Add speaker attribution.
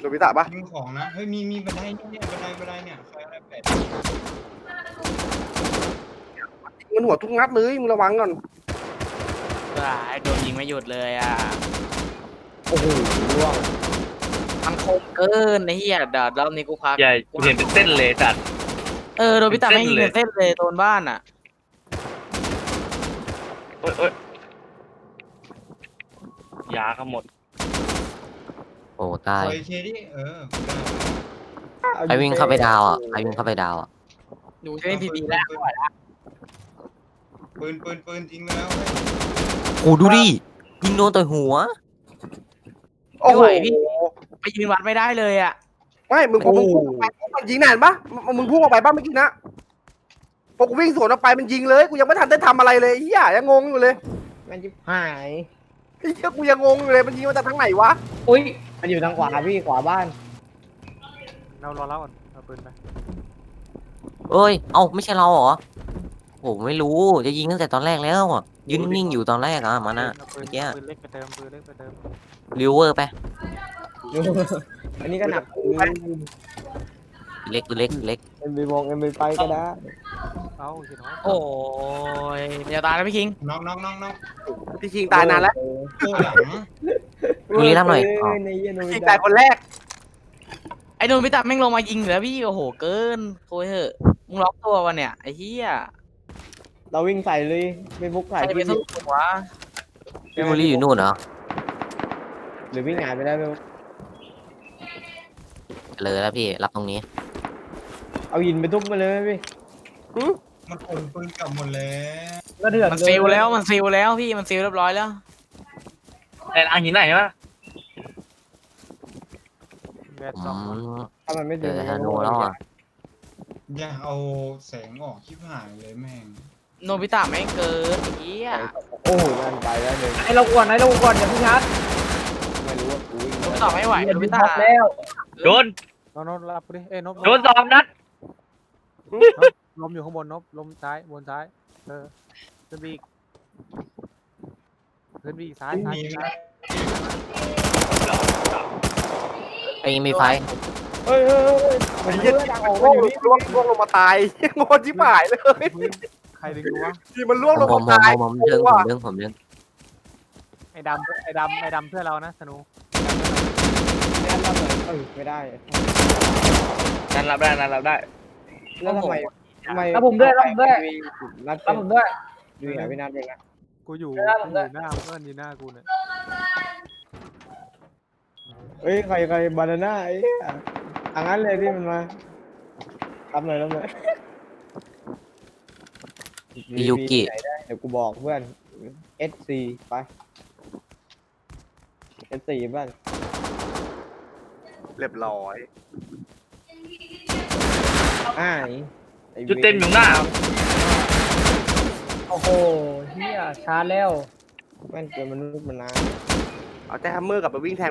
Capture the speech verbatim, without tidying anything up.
Speaker 1: โนบิตะปะ
Speaker 2: ยิงของนะเฮ้ยมีมีบันไดเนี่ยบันไดบันไดเนี่ยใครอะไรแปด
Speaker 1: มันหัวทุกนัดเลยมึงระวังก่อน
Speaker 3: ว้ายโดนยิงไม่หยุดเลยอ่ะ
Speaker 4: โอ้โหร่วง
Speaker 3: มันคมเกินไอ้เหี้ยเดี๋ยวรอบนี้กูพัก
Speaker 5: ใหญ่กูเห็นเป็นเส้นเลยจัด
Speaker 3: เออโดนพิตา
Speaker 5: เป็น
Speaker 3: ไม่
Speaker 5: เส้น
Speaker 3: ยิง
Speaker 5: เลย
Speaker 3: เป็นเส้นเลยโดนบ้านอ่ะ
Speaker 5: โอ้ยโอ้ยยาก็หมด
Speaker 6: โอ้ตาย
Speaker 2: คอยเคดิเออ
Speaker 6: ใครวิ่งเข้าไปดาวอ่ะใครวิ่งเข้าไปดาวอ่ะ
Speaker 3: ดูเล่นพีดีแล้ว
Speaker 2: ปืนปืนปืนทิ้งไปแล้วเฮ้ย
Speaker 6: โอ้ดูดิยิงโดนต่อยหัว
Speaker 1: โอ้โห
Speaker 3: ไปยืนวัดไม่ได้เลยอ่ะ
Speaker 1: ไม่มึงพอมึงพุ่งออกไปมันยิงนานปะมึงมึงพุ่งออกไปปะเมื่อกี้นะพอกูวิ่งสวนออกไปมันยิงเลยกูยังไม่ทันได้ทำอะไรเลยเฮียยังงงอยู่เลย
Speaker 4: มันจิบหาย
Speaker 1: เฮียกูยังงงอยู่เลยมันยิงมาจากทางไหนวะ
Speaker 4: อุ้ยมันอยู่ทางขวาพี่ขวาบ้าน
Speaker 7: เรารอแล้วก่อนเอาปืนไป
Speaker 6: เอ้ยเอ้าไม่ใช่เราเหรอโอ้ไม่รู้จะยิงตั้งแต่ตอนแรกแล้วอะยืนนิ่งๆอยู่ตอนแรกอ่ะมันอ่ะ
Speaker 7: เอาปื
Speaker 6: เมื่
Speaker 7: น
Speaker 6: อกี้
Speaker 7: เอาปืนเล็กไปเติมปืนเล็กไปเติม
Speaker 6: ริวเวอร์ไป
Speaker 4: อันนี้ก็หนัก
Speaker 6: เล็กเล็กเล็ก
Speaker 4: เอ็มบีวงเอ็มบีไปก็ได้
Speaker 7: เอาสิน้อง
Speaker 3: โอ้ยอย่าตายนะพี่คิง
Speaker 2: น้องน้องน้องน้อง
Speaker 1: พี่ชิงตายนานแล้ว
Speaker 2: โอ้หลัง
Speaker 6: บุรีรัมย์หน่อยอ๋อ
Speaker 4: ในเย็นโน
Speaker 1: พี่
Speaker 4: บิ
Speaker 1: ชิง
Speaker 4: ตะ
Speaker 1: ตายคนแรก
Speaker 3: ไอ้โดนพิตาแม่งลงมายิงเหลือพี่โอ้โหเกินโคุยเถอะมึงล็อกตัววะเนี่ยไอ้เหี้ย
Speaker 4: เราวิ่งใส่เลยไม่บุก
Speaker 3: ใคร
Speaker 4: ใส่
Speaker 3: จะไป
Speaker 4: พี่
Speaker 3: สู้วะ
Speaker 6: พี่บุรีอยู่นู่นเหรอ
Speaker 4: หรือวิ่งหายไปได้ไม่รู้
Speaker 6: เลยแล้วพี่รับตรงนี้
Speaker 4: เอาหินไปทุบมาเลยพี่
Speaker 2: มันขนปืนกลับหมดแล้ว
Speaker 4: ก็เถื่อน
Speaker 3: มันซิลแล้วมันซิลแล้วพี่มันซิลเรียบร้อยแล้ว
Speaker 5: ไอ้อังหินไหนวะ
Speaker 7: แบด
Speaker 6: อื
Speaker 7: สอง
Speaker 6: ม
Speaker 4: ถ้ามันไม่
Speaker 6: เจ
Speaker 4: ถึง
Speaker 6: อธนูแล้วอ่ะ
Speaker 2: อย่าเอาแสงออกชิบหายเลยแม่ง
Speaker 3: โนบิตะแม่งเกินไอ้เหี้ย
Speaker 4: โอ้โหนั่นไปแล้วหนึ่งให้เราก่อนให้เราก่อนอย่าเพิ่งชัดไม่รู้ว่ากูวิ่ง
Speaker 3: โนบิตะไม่ไหวโนบิตะ
Speaker 4: แล้ว
Speaker 5: โดน
Speaker 7: นบนบรับกูดิเอ้ยนบ
Speaker 5: โดนสองนัด
Speaker 7: ลมอยู่ข้างบนนบลมซ้ายบนซ้ายเออขึ้นบีกขึ้นบีกซ้ายซ้าย
Speaker 2: มี
Speaker 7: ซ้าย
Speaker 6: ไอ้มีไฟ
Speaker 4: เฮ้ยเฮ้ยเฮ้ยมัน
Speaker 1: ไอ้
Speaker 4: เย
Speaker 1: เหี้ย
Speaker 4: อะดังออก
Speaker 1: ล่
Speaker 4: มาว
Speaker 1: ง
Speaker 4: อยู่นี่
Speaker 1: ล่วงล่วงลงมาตายงงชิบหายเลย
Speaker 7: พื้นใครดึงกูวะ
Speaker 1: ที่มันล่วงลง
Speaker 6: ผมผม
Speaker 1: มาตาย
Speaker 6: ผมผมเรื่องผมเรื่องผมเรื่อง
Speaker 7: ไอ้ดำไอ้ดำไอ้ดำเพื่อนเรานะสนุ
Speaker 4: ไม่งั้นเราเหมือนเออไม่ได้
Speaker 5: นั่นรับได้นั่นรับได้
Speaker 4: แล้วทำไมทำไม
Speaker 8: รับผมด้วยรับผมด้วย
Speaker 4: นัด
Speaker 8: รับผมด้วย
Speaker 4: ดูไหนพี่นัดเป็นไง
Speaker 7: กูอยู่
Speaker 8: ได้
Speaker 7: กู
Speaker 8: ผม
Speaker 7: อ
Speaker 8: ได้
Speaker 7: ยู่หน้าเพื่อนอยู่หน้ากูเนี่ย
Speaker 4: เฮ้ยใครใครบานาน่าไอ้อังนั้นเลยที่มันมารับหน่อยรับหน่อย
Speaker 6: พี่ยุกิ
Speaker 4: ไหนได้เดี๋ยวกูบอกเพื่อน เอส ซี ไป เอส ซี บ้าน
Speaker 1: เรียบร้อย
Speaker 4: อ้ายไอ้
Speaker 5: จุดเต็มอยู่หน้า
Speaker 8: โอ้โหเฮียชาร์จแล้ว
Speaker 4: แม่นเกินมนุษย์มานาน
Speaker 1: เอาแต่ฮัมเมอร์กลับไปวิ่งแทน